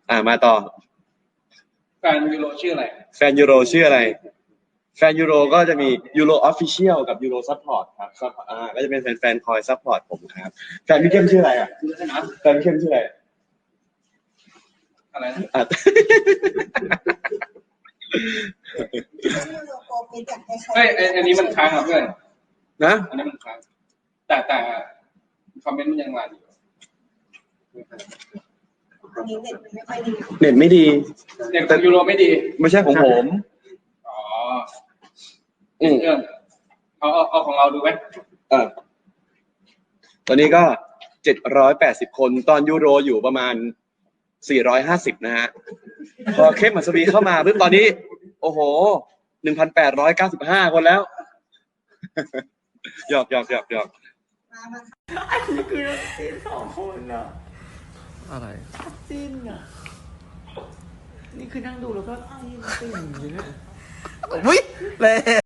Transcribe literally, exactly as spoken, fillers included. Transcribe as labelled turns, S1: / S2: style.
S1: อ่ามาต่อ
S2: แฟนยูโรชื่ออะไร
S1: แฟนยูโรชื่ออะไรแฟนยูโรก็จะมียูโรออฟฟิเชียลกับยูโรซัพพอร์ตครับซัพพอร์ตอ่าก็จะเป็นแฟนๆคอยซัพพอร์ตผมครับแฟนพี่เข้มชื่ออะไรอ่ะแฟนพี่เข้มชื่ออะไร
S2: อะไรนะ
S1: อ่ะ
S2: เฮ้ยอันนี้มันค้างอ่ะเพื่อน
S1: นะ
S2: อันนี้มันค้างแต่แต่คอมเมนต์มันยังรันอยู่
S1: เน็ตไม่ดี
S2: เน็ตของยูโรไม่ดี
S1: ไม่ใช่ของผม
S2: อ๋ออืมเอาเอาเอาของเราดูไหม
S1: เออตอนนี้ก็เจ็ดร้อยแปดสิบคนตอนยูโรอยู่ประมาณสี่ร้อยห้าสิบนะฮะพอเข้มอัศวีเข้ามาปุ๊บตอนนี้โอ้โหหนึ่งพันแปดร้อยเก้าสิบห้าคนแล้วหยอกหยอกหยอกหยอก
S3: อันนี้คือจิ้นสองคนอะ
S1: อะไร
S3: จิ้นอะนี่คือนั่งดูแล้วก็จิ้นติ่งอยู่เนี่ย
S1: อุ้ยเลย